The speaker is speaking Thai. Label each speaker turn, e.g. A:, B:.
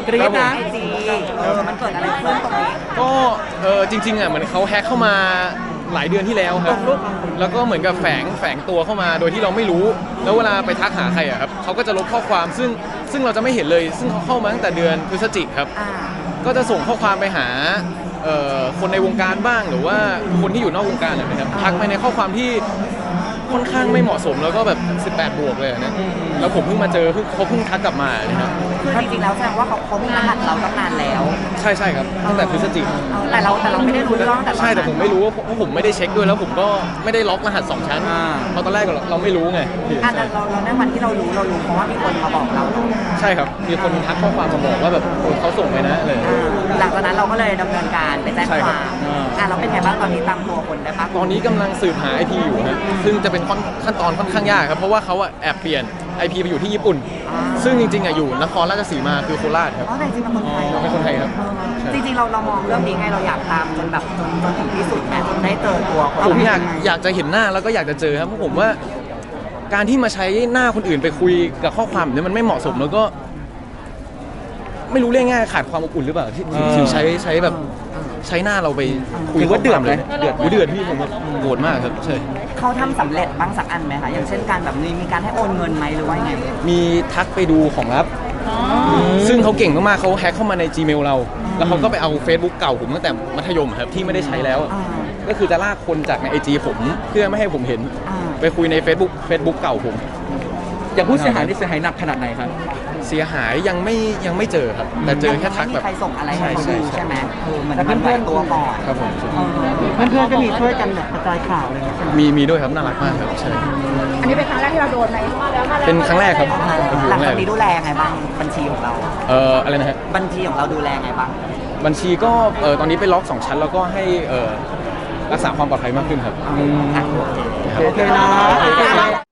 A: กรี๊ดนะ
B: ไอจีมันเกิดอะไรขึ้นตรงนี้
A: ก็จริงๆอ่ะเหมือนเขาแฮ็กเข้ามาหลายเดือนที่แล้วครับแล้วก็เหมือนกับแฝงตัวเข้ามาโดยที่เราไม่รู้แล้วเวลาไปทักหาใครอ่ะครับเขาก็จะลบข้อความซึ่งเราจะไม่เห็นเลยซึ่งเขาเข้ามาตั้งแต่เดือนพฤศจิกครับก็จะส่งข้อความไปหาคนในวงการบ้างหรือว่าคนที่อยู่นอกวงการนะครับทักไปในข้อความที่ค่อนข้างไม่เหมาะสมแล้วก็แบบ18 บวกเลยนะแล้วผมเพิ่งมาเจอเขาเพิ่งทักกลับมานะครับ
B: คือจริงๆแล้วแสดงว่าเขามีรหัสเราตั้งนานแล้ว
A: ใช่ครับตั้งแต่พฤศจิก
B: แต่เราไม่ได้รู้เรื่องแต่
A: ใช่แต่ผมไม่รู้เพราะผมไม่ได้เช็คด้วยแล้วผมก็ไม่ได้ล็อกรหัส2 ชั้นเพราะตอนแรกเราไม่รู้ไง
B: เราในวันที่เรารู้เพราะว่ามีคนมาบอกเรา
A: ใช่ครับมีคนทักข้อความมาบอกว่าแบบเขาส่งไปนะเลย
B: หลังจากนั้นเราก็เลยดำเนินการไปแจ้งความเราเป็นไงบ้างตอนนี้ตามตัวคนได้ปะ
A: ตอนนี้กำลังสืบหา IP อยู่นะซึ่งจะเป็นขั้นตอนค่อนข้างยากครับเพราะว่าเขาแอบเปลี่ยน IP ไปอยู่ที่ญี่ปุ่นซึ่งจริงๆอยู่นครราชสีมาคือโคราชครับ
B: แต่จริงๆเป็นคนไทย
A: เป็นคนไทยครับ
B: จริงๆเรามองเรื่องนี้ไงเราอยากตามจนแบบจนถึงที่สุดแม้จนได้เจอตัว
A: ผมอยากจะเห็นหน้าแล้วก็อยากจะเจอครับเพราะผมว่าการที่มาใช้หน้าคนอื่นไปคุยกับข้อความเนี่ยมันไม่เหมาะสมแล้วก็ไม่รู้เรียกง่ายขาดความอบอุ่นหรือเปล่าที่ถึงใช้แบบใช้หน้าเราไปคุย
C: ว่าเดือดเลย
A: เดือดพี่ผมโกรธมากครับใช่
B: เขาทำสำเร็จบ้างสักอันไหมคะอย่างเช่นการแบบนี้มีการให้โอนเงินไหมหรือว่าไง
A: มีทักไปดูของลับซึ่งเขาเก่งมากๆเขาแฮ็กเข้ามาใน Gmail เราแล้วเขาก็ไปเอา Facebook เก่าผมตั้งแต่มัธยมครับที่ไม่ได้ใช้แล้วก็คือจะลากคนจากใน IG ผมเพื่อไม่ให้ผมเห็นไปคุยใน Facebook เก่าผม
C: อย่างผู้เสียหายนี่เสียหายหนักขนาดไหนครับ
A: เสียหายยังไม่เจอครับแต่เจอแค่ทักแบบ
B: ใครส่งอะไรให้เขาดูใช่ไหมเหมือนมันไหวตัวก่อน
A: ครับผม
B: เพื่อนๆก็มีช่วยกันแบบกระจายข่าวอะไรอย่างเงี้ย
A: มีด้วยครับน่ารักมากครับใช่
B: อันนี้เป็นครั้งแรกที่เราโดนไหม
A: เป็นครั้งแรกครับ
B: หลังจากนี้ดูแลไงบ้างบัญชีของเรา
A: อะไรนะฮะ
B: บัญชีของเราดูแลไงบ้าง
A: บัญชีก็ตอนนี้ไปล็อก2 ชั้นแล้วก็ให้รักษาความปลอดภัยมากขึ้นครับ
C: โอเคนะ